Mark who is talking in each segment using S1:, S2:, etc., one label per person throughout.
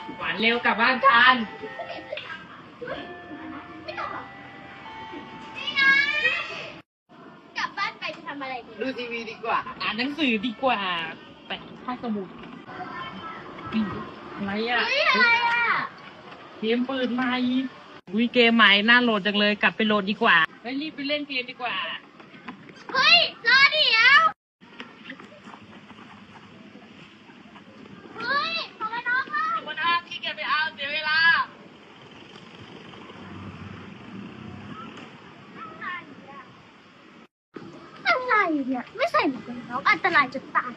S1: หวานเร็วกลับบ้านกัน
S2: ไม่ต้องหรอกนี่นะกลับบ้านไปจะทำอะไรดี
S1: ดูทีวีดีกว่า อ่านหนังสือดีกว่าไปห้องสมุดอะไรอ่ะ
S2: เฮ้ยอะไรอ่ะ
S1: เกมเปิดใหม่อุ้ยเกมใหม่น่าโหลดจังเลยกลับไปโหลดดีกว่าไปรีบไปเล่นเกมดีกว่า
S2: เฮ้ยรอเดี๋ยวเฮ้ยของมันน้องอ่ะ
S1: วันอาที่แกไปเอาเสียเวลา
S2: อะไรเนี่ยไม่ใส่หมวกกันน็อกอันตรายจะตาย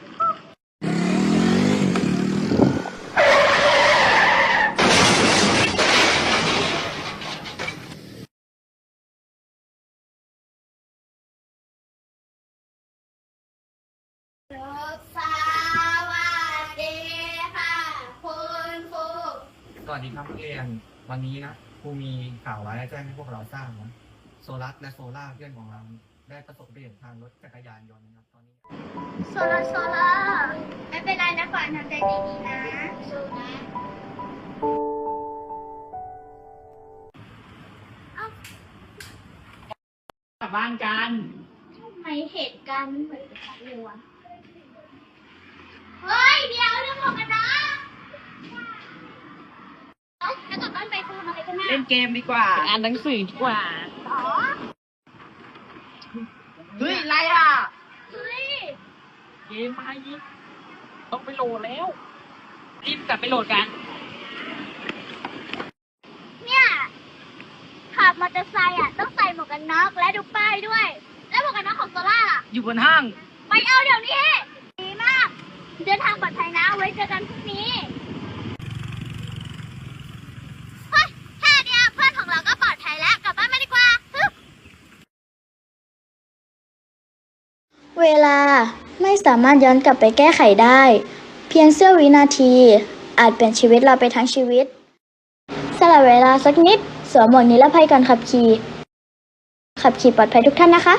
S2: สวัสดีค่ะคุณครู
S3: สวัสดีครับนักเรียนวันนี้นะครูมีข่าวร้ายแจ้งให้พวกเราทราบนะโซลัสและโซล่าเพื่อนของเราได้ประสบอุบัติเหตุทางรถจักรยานยนต์นะครับตอนนี้
S2: โซล่าไม่เป็นไรนะขวัญทำใจดีๆนะสู้นะเอ้าก
S1: ลับบ้านกัน
S2: ทำไมเหตุการณ์มันเหมือนกันเลยวะเฮ้ยเดี๋ยวเรื่องของกันนะแล้วกลับบ้านไปทำอะไรกันนะ
S1: เล่นเกมดีกว่า อ่านหนังสือดีกว่า
S2: อ๋อ
S1: เฮ้ยอะไรอ่ะ
S2: เฮ้ย
S1: เกมใหม่ต้องไปโหลดแล้วรีบกลับไปโหลดกัน
S2: เนี่ยขับมอเตอร์ไซค์อ่ะต้องใส่หมวกกันน็อกและดูป้ายด้วย แล้วหมวกกันน็อกของโซล่าล่ะ
S1: อยู่บนห้าง
S2: ไปเอาเดี๋ยวนี้ดีมาก เดินทางปลอดภัยนะไว้เจอกันพรุ่งนี้เฮ้ยแค่เดียวเพื่อนของเราก็ปลอดภัยแล้วกลับบ้านมาดีกว่าฮึบ
S4: เวลาไม่สามารถย้อนกลับไปแก้ไขได้ เพียงเสี้ยววินาที อาจเปลี่ยนชีวิตเราไปทั้งชีวิตสละเวลาสักนิดสวมหมวกนิรภัยก่อนขับขี่ปลอดภัยทุกท่านนะคะ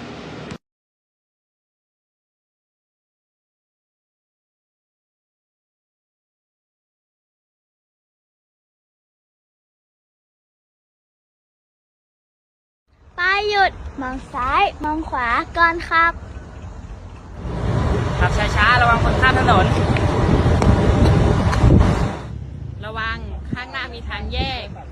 S4: ไปหยุด มองซ้าย มองขวาก่อนขับ
S1: ขับช้าๆ ระวังคนข้ามถนน ระวังข้างหน้ามีทางแยก